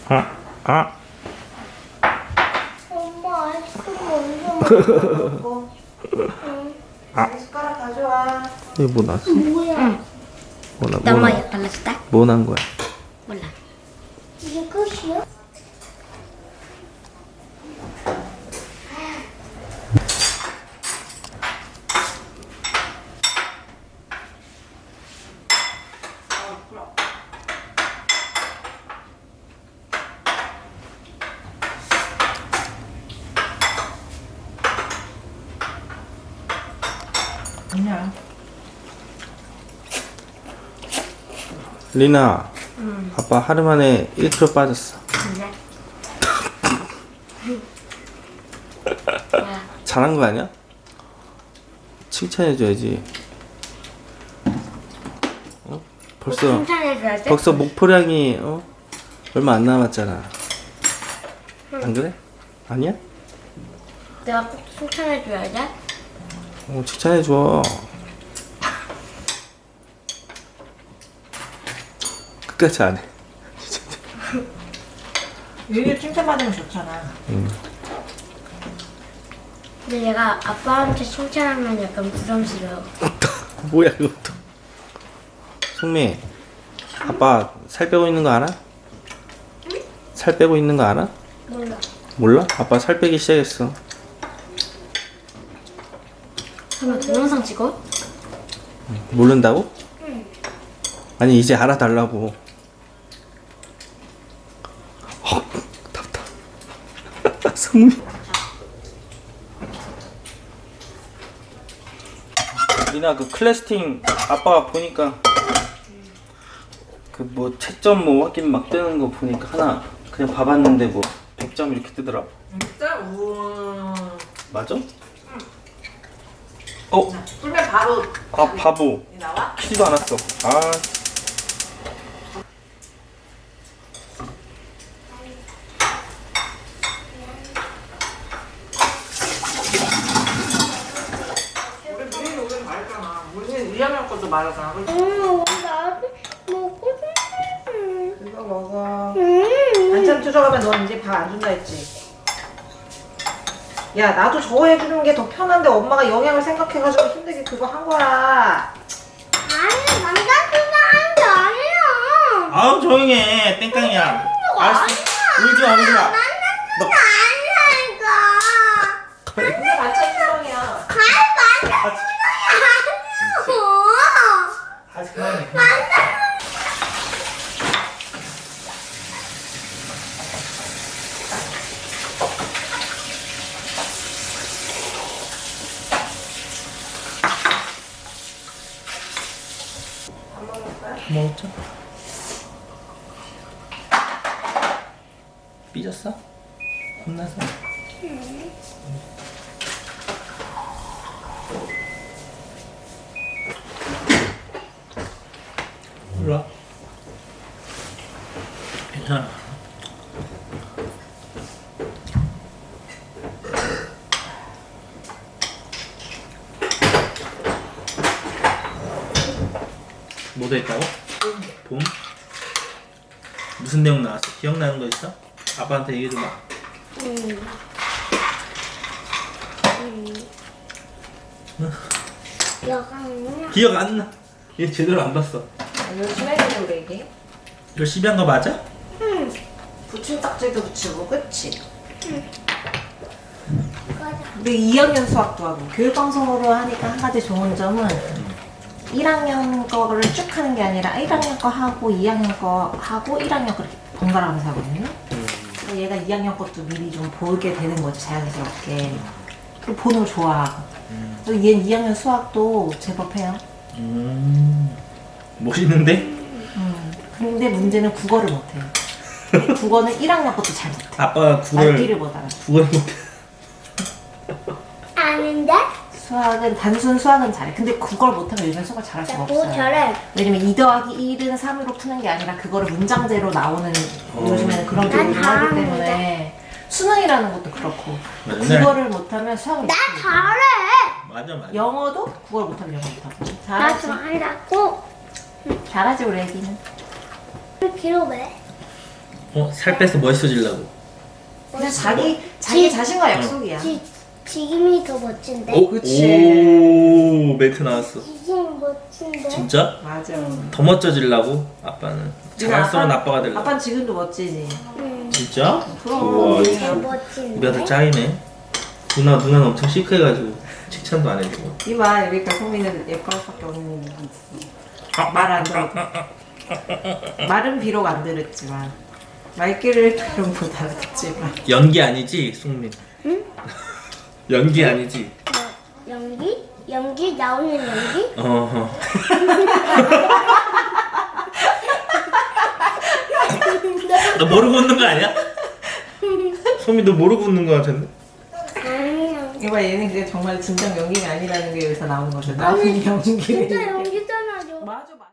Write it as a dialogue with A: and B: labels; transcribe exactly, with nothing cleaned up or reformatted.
A: 아, 아.
B: 엄마 아이스크림 먼저 먹어. 응.
A: 아.
B: 숟가락 가져와.
A: 이거 뭐 났어?
B: 뭐야?
A: 뭐 나, 뭐
C: 너무
A: 나,
C: 발라줬다?
A: 뭐 난 거야?
C: 몰라.
B: 이게 끝이야?
D: 아니야.
A: 리나,
C: 응.
A: 아빠 하루 만에 일 킬로그램 빠졌어.
C: 그래? 야,
A: 잘한 거 아니야? 칭찬해줘야지. 어? 벌써
C: 칭찬해줘야지?
A: 벌써 목표량이 어? 얼마 안 남았잖아. 안 그래? 아니야?
C: 내가 꼭 칭찬해줘야지?
A: 어, 칭찬해줘. 끝까지 안 해.
D: 유유 칭찬받으면 좋잖아.
A: 응.
C: 근데 얘가 아빠한테 칭찬하면 약간 부담스러워.
A: 뭐야 이것도. 송미, 아빠 살 빼고 있는 거 알아? 살 빼고 있는 거 알아?
C: 몰라.
A: 몰라? 아빠 살 빼기 시작했어.
C: 설마 동영상 찍어?
A: 모른다고? 응. 아니 이제 알아달라고. 어, 답답. 송미. 리나 그 클래스팅 아빠가 보니까 그 뭐 채점 뭐 확인 막 뜨는 거 보니까 하나 그냥 봐봤는데 뭐 백 점 이렇게 뜨더라.
D: 진짜? 우와.
A: 맞아? 어?
D: 풀면 바로
A: 아 바보.
D: 나와?
A: 키지도 않았어. 아.
D: 우리 미리 오늘 말했잖아. 우리는 이 학년 것도 말하잖아. 그치?
B: 응, 나도 먹고 싶어.
D: 이거 먹어.
B: 응.
D: 반찬 투정하면 넌 이제 밥 안 준다 했지? 야, 나도 저거 해주는 게 더 편한데 엄마가 영양을 생각해가지고 힘들게 그거 한 거야.
B: 아니, 남자친구 하는 게 아니야.
A: 아우 조용히 해. 땡깡이야. 알았어. 울지 마 울지 마. 너
B: 아니라니까.
D: 근데 반찬 투정이야.
B: 아니, 남자친구 아니라고.
A: 아직 그만해.
D: 안 먹을 거야?
A: 먹자. 삐졌어? 혼나서? 몰라. 괜찮아. 뭐 됐다고? 봄? 무슨 내용 나왔어? 기억나는 거 있어? 아빠한테 얘기해줘봐.
B: 응. 여가는
A: 기억 안 나. 얘 제대로 안 봤어.
D: 아, 열심히 해야 돼, 우리.
A: 열심히 한 거 맞아?
B: 응.
D: 붙임 딱지도 붙이고, 그치?
B: 맞아.
D: 우리 이 학년 수학도 하고 교육방송으로 하니까 한 가지 좋은 점은 일 학년 거를 쭉 하는 게 아니라 일 학년 거 하고 이 학년 거 하고 일 학년 거 이렇게 번갈아 가면서 하거든요. 그래서 얘가 이 학년 것도 미리 좀 보게 되는 거지, 자연스럽게. 그리고 보는 걸 좋아하고. 그리고 얘는 이 학년 수학도 제법 해요.
A: 음. 멋있는데?
D: 음. 근데 문제는 국어를 못해요. 국어는 일 학년 것도 잘 못해.
A: 아빠가 국어를
D: 말귀를 못 알아.
A: 국어를 못해.
B: 아닌데?
D: 수학은 단순 수학은 잘해. 근데 그걸 못하면 요즘 수학을 잘할 수가
B: 나 그거
D: 없어요.
B: 잘해.
D: 왜냐면 이 더하기 일은 삼으로 푸는 게 아니라 그거를 문장제로 나오는
A: 어.
D: 요즘에는 그런
B: 난
D: 교육을 하기
B: 잘하는데.
D: 때문에 수능이라는 것도 그렇고
A: 맞아.
D: 국어를 못하면 수학을
B: 나
D: 못해요.
B: 잘해.
A: 맞아 맞아.
D: 영어도 국어를 못하면 영어 못하고
B: 나
D: 잘하지.
B: 잘하고.
D: 잘하지 우리 애기는.
B: 왜 길어 왜?
A: 어? 살 빼서 멋있어지려고.
D: 그냥 자기 자기 자신과 약속이야.
C: 지, 지금이 더 멋진데?
A: 오,
D: 그치.
A: 오 멘트 나왔어.
C: 지금 멋진데?
A: 진짜?
D: 맞아.
A: 더 멋져지려고? 아빠는 자랑스러운
D: 아빠는-
A: 아빠가 되려고.
D: 아빠는 지금도 멋지지.
C: 응.
A: 진짜?
D: 그럼.
A: 우와,
C: 더
A: 이거
C: 멋진데?
A: 우리가 다 짱이네. 누나 누나는 엄청 시크해가지고 칭찬도 안 해주고.
D: 이봐 여기까 소민은 예뻐할 수밖에 없는 일이 있어. 말 안 들어. 말은 비록 안 들었지만 말귀를 들은 못 알아듣지만.
A: 연기 아니지, 송민?
C: 응?
A: 연기 아니지?
C: 뭐, 연기? 연기? 나오는 연기?
A: 어허. 너 모르고 웃는 거 아니야? 소민 너 모르고 웃는 거 같은데?
C: 아니야.
D: 이봐 얘는 그게 정말 진정 연기가 아니라는 게 여기서 나오는 거죠. 나오는 연기를.
C: 진짜 연기잖아.
D: 맞아.